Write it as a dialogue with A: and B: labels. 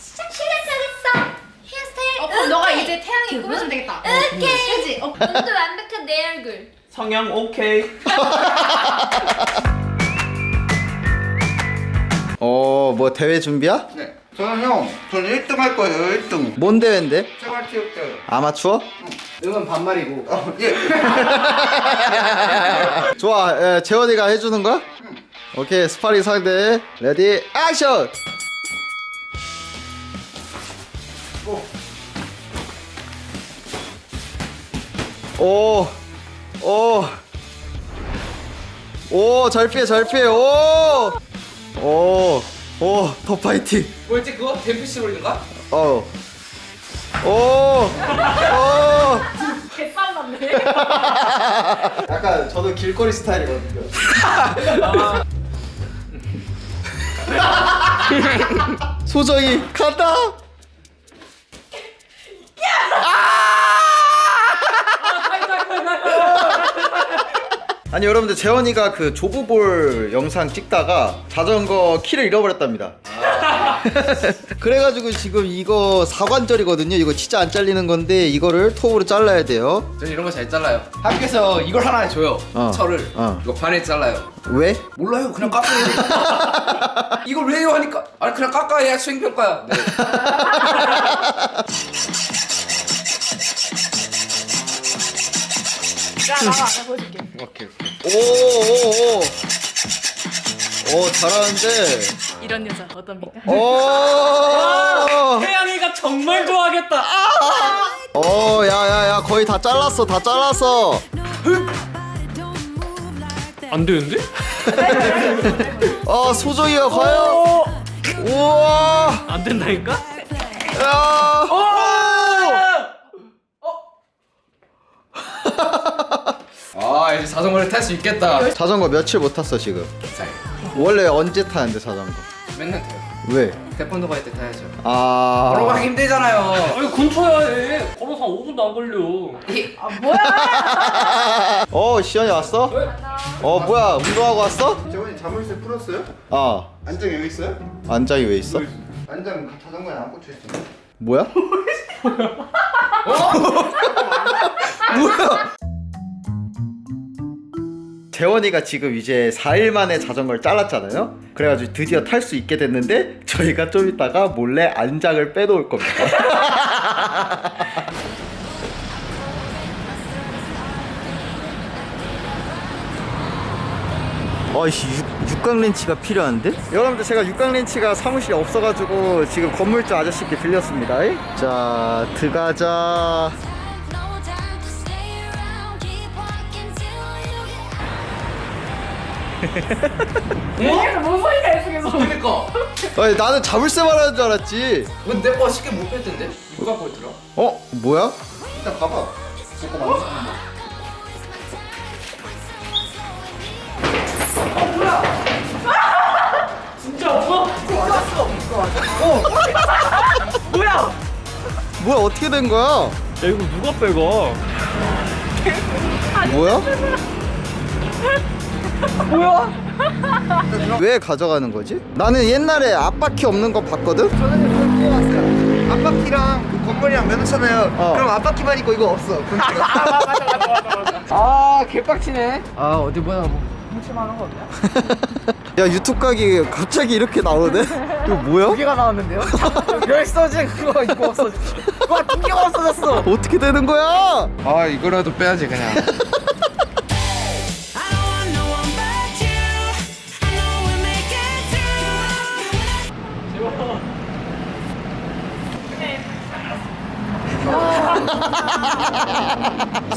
A: 시작하겠어. 헤어스타일.
B: 그럼 너가 이제 태양이 꾸며주면 되겠다.
A: 오케이.
B: 그지?
A: 눈도 완벽한 내 얼굴.
C: 성형 오케이.
D: 뭐 대회 준비야?
E: 네. 저는 1등 할 거예요. 1등.
D: 뭔 대회인데?
E: 생활체육대회.
D: 아마추어?
E: 응은 반말이고. 예.
D: 좋아, 재원이가 해주는 거야? 오케이, 스파링 상대 레디 액션! 오, 오, 오, 잘 피해, 잘 피해, 오, 오, 더 파이팅.
F: 뭐였지 그거? 댐프시 롤인가?
D: 오, 오.
B: 개싸움 났네.
D: 약간 저도 길거리 스타일이거든요. 소정이 간다. 아니 여러분들 재원이가 그 조브볼 영상 찍다가 자전거 키를 잃어버렸답니다. 그래가지고 지금 이거 사관절이거든요. 이거 진짜 안 잘리는 건데 이거를 톱으로 잘라야 돼요.
F: 저는 이런 거 잘 잘라요. 학교에서 이걸 하나 줘요. 철을. 이거 반에 잘라요.
D: 왜?
F: 몰라요. 그냥 깎아요. 이걸 왜요 하니까 아니 그냥 깎아야 수행평가야. 네.
B: 야, 나와, 내가 보여줄게.
F: 오케이.
D: 오 잘하는데.
B: 이런 여자 어떻습니까?
D: 오.
C: 태양이가 정말 좋아하겠다.
D: 야야야 거의 다 잘랐어 다 잘랐어.
C: 안 되는데?
D: 소정이가 과연. 우와.
C: 안 된다니까?
D: 야.
F: 아 이제 자전거를 탈 수 있겠다.
D: 자전거 며칠 못 탔어 지금. 원래 언제 타는데 자전거?
F: 맨날 타요.
D: 왜?
F: 태권도 갈 때 타야죠. 걸어가기 힘들잖아요.
C: 아니 근처야 해. 걸어서 5분도 안 걸려.
D: 시연이 왔어? 뭐야 운동하고 왔어?
E: 재원이 자물쇠 풀었어요?
D: 안장
E: 여기 있어요?
D: 안장이 왜 있어?
E: 안장 자전거에 안 꽂혀 있어요.
D: 뭐야? 뭐야? 재원이가 지금 이제 4일 만에 자전거를 잘랐잖아요. 그래가지고 드디어 탈 수 있게 됐는데 저희가 좀 이따가 몰래 안장을 빼놓을 겁니다. 육각 렌치가 필요한데? 여러분들 제가 육각 렌치가 사무실에 없어가지고 지금 건물주 아저씨께 빌렸습니다. 자 들어가자.
B: 얘기해서 뭔 소리가 있어 계속.
F: 그러니까.
D: 나는 자물쇠 말하는 줄 알았지.
F: 근데 내 거 쉽게 못 뺐던데? 누가 뺐더라?
D: 뭐야?
E: 일단 가봐.
C: 진짜 없어?
D: 뭐야 어떻게 된 거야?
C: 야 이거 누가 빼가?
D: 뭐야? 왜 가져가는 거지? 나는 옛날에 앞바퀴 없는 거 봤거든?
E: 저는 그걸 뽑아왔어요. 앞바퀴랑 그 건물이랑 면허잖아요. 그럼 앞바퀴만 있고 이거 없어.
F: 개빡치네.
D: 어디 뭐야 뭐 훔칠만한 거 없냐? 야 유튜브 각이 갑자기 이렇게 나오네? 이거 뭐야?
F: 개가 나왔는데요? 열서지 그거 이거 없어. 와, 두 개가 없어졌어.
D: 어떻게 되는 거야?
F: 이거라도 빼야지 그냥.